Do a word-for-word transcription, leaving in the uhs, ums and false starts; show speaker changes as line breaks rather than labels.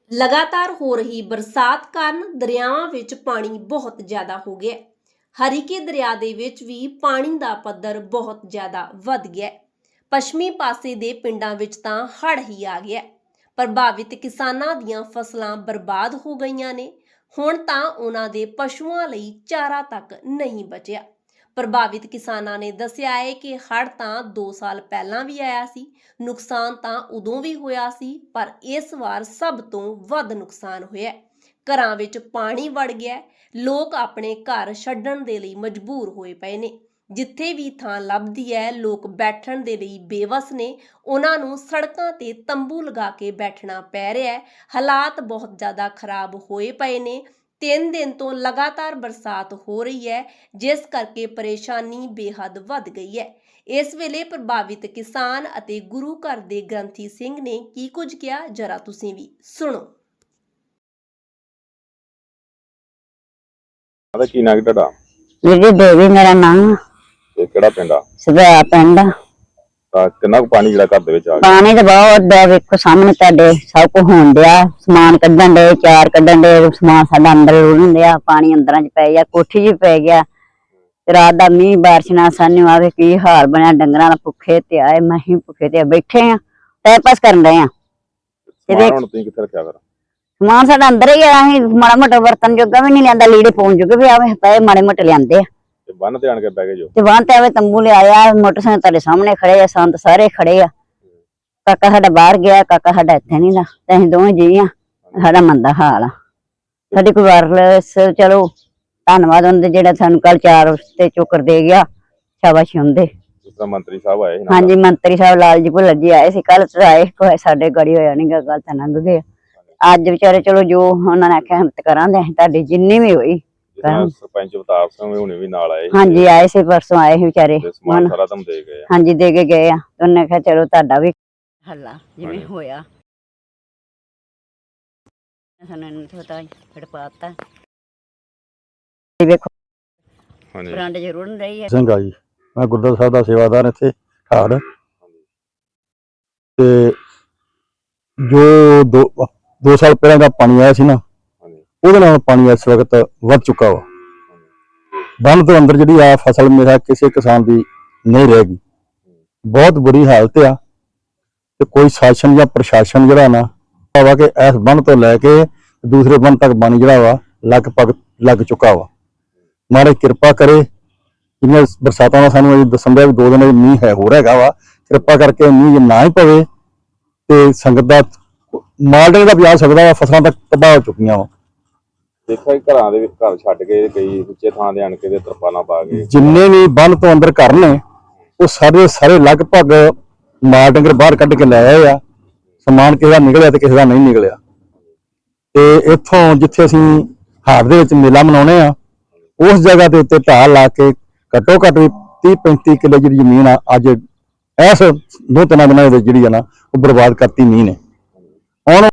लगातार हो रही बरसात कारण दरियावां विच पानी बहुत ज़्यादा हो गया। हरीके दरिया दे विच भी पानी दा पद्धर बहुत ज़्यादा वध गया। पश्चिमी पासे दे पिंडां विच तां हड़ ही आ गया। प्रभावित किसानां दीयां फसलां बर्बाद हो गईयां ने। हुण तां उन्हां दे पशुआं लई चारा तक नहीं बचिया। प्रभावित किसानां ने दस्सिया है कि हड़ तां दो साल पहलां भी आया सी, नुकसान तां उदों भी होया सी, पर इस वार सब तो वध नुकसान होया। घरां विच पानी वड़ गया। लोग अपने घर छड्डण दे लई मजबूर होए पए ने। जिथे भी थां लभदी है लोग बैठण दे लई बेवस ने। उन्हां नूं सड़कां ते तंबू लगा के बैठना पै रिहा है। हालात बहुत ज़्यादा खराब होए पए ने। तीन दिन तो लगातार बरसात हो रही है, जिस करके परेशानी बेहद वध गई है। इस वेले प्रभावित किसान अते गुरु घर दे ग्रंथी सिंह ने की कुछ किया, जरा तुसीं भी सुणो।
की नाम तुहाडा?
जी देवी मेरा नाम।
ते किहड़ा पिंड आ?
सदा पिंड।
ਤਾਂ ਕਿੰਨਾ ਕੁ ਪਾਣੀ ਜਿਹੜਾ ਘਰ ਦੇ ਵਿੱਚ ਆ ਗਿਆ?
पानी तो बहुत है, वेखो सामने तुहाडे सब कुछ होण दिया। समान कड्ढण दे, चार कड्ढण दे, समान साडा अंदर रुड़न दिया, पानी अंदरां च पै गया, कोठी च पै गया। रात दा मींह बारिश नाल सानू आवे की हाल बनया। डंगरां दा भुखे ते आए, महीं भुखे ते बैठे आ, टाइम पास करन दे आ।
ਸਮਾਨ ਹੁਣ ਤੁਸੀਂ ਕਿੱਥੇ ਰੱਖਿਆ ਫਿਰ?
समान साडा अंदर ही है, असीं माड़ा मोटा बर्तन जोगा भी नहीं लिआंदा, लीड़े पाउण जोगे भी आवे पए माड़े मोटे लिआंदे आ।
ਤੇ ਬੰਨ ਤੇ ਆਣ ਕੇ ਬਹਿ ਗਏ ਜੋ?
ते वहां ते आवे तंबू ले आया, मोटरसाइकिल तुहाडे सामने खड़े आ, संत सारे खड़े आ। काका साडा बाहर गया, काका साडा इत्थे नहीं दा, ते असीं दोवें जी आ। साडा मंदा हाल आ। साडी कोई वायरलेस चलो धन्नवाद उनदे जेड़ा सानू कल चार ते चोकर दे गया, शाबाशी उनदे।
ਜਿਸ ਤਰ੍ਹਾਂ ਮੰਤਰੀ ਸਾਹਿਬ आए
हाँ जी मंत्री साहब लाल जी भुल्लर जी आए सी कल, आए कोई साडे गड़ी होया नहीं गा, गल तां लंघ गए। अज बेचारे चलो जो उन्होंने आख्या हिम्मत करांदे असीं तुहाडी जिन्नी भी होई।
सरपंच अवतार सिंह भी हुणे भी नाल आए?
हाँ जी आए से परसों आए बेचारे,
समान सारा तुम दे गए?
हाँ जी दे के गए आ। उन्हें कहा चलो तुहाडा भी हल्ला जिवें होया सानू पता फिर पाता देखो बरांडे च रुड़न रही है।
ਸਿੰਘ ਆ ਜੀ, मैं गुरद्वारा साहब का सेवादार इत्थे ठाड़ ते जो दो दो साल पहले का पानी आया सी ना, ਉਹਦੇ ਨਾਲ पानी इस वक्त वध चुका वा। बंद तो अंदर जी आ फसल मेरा किसी किसान की नहीं रहेगी, बहुत बुरी हालत आ। ते कोई शासन या प्रशासन जरा ना वा कि इस बंद तो लैके दूसरे बंद तक पानी जरा वा लगभग लग चुका वा। महाराज कृपा करे, जिन्हें बरसातों का सानू दसन दिया भी दो दिन मीह है हो रहा वा, कृपा करके मीह ना ही पवे ते संगत का माल डंगर का भी आ सकता वा, फसलों तक तबाह हो चुकियां वा।
ਦੇਖਿਆ ਕਿ ਘਰਾਂ ਦੇ ਵਿੱਚ ਘਰ ਛੱਡ ਕੇ ਕਈ ਉੱਚੇ ਥਾਂ ਦੇ ਆਣ ਕੇ ਤੇ ਤਰਪਾਲਾਂ ਪਾ ਕੇ
जिन्ने भी बंद तो अंदर घर ने वो सारे सारे लगभग माल डंगर बाहर कढ़ के लै आए आ। समान किसी का निकलिया ते किसी का नहीं निकलिया। ते इत्थों जिथे असीं हाड़ दे विच मेला मनाउने आ, उस जगह के उत्ते ढाह ला के घट्टो घट्ट भी तीह पैंती किलो जी जमीन आ अज इस दो तीन दिनों जिहड़ी आ ना वो बर्बाद करती मीह ने। हुण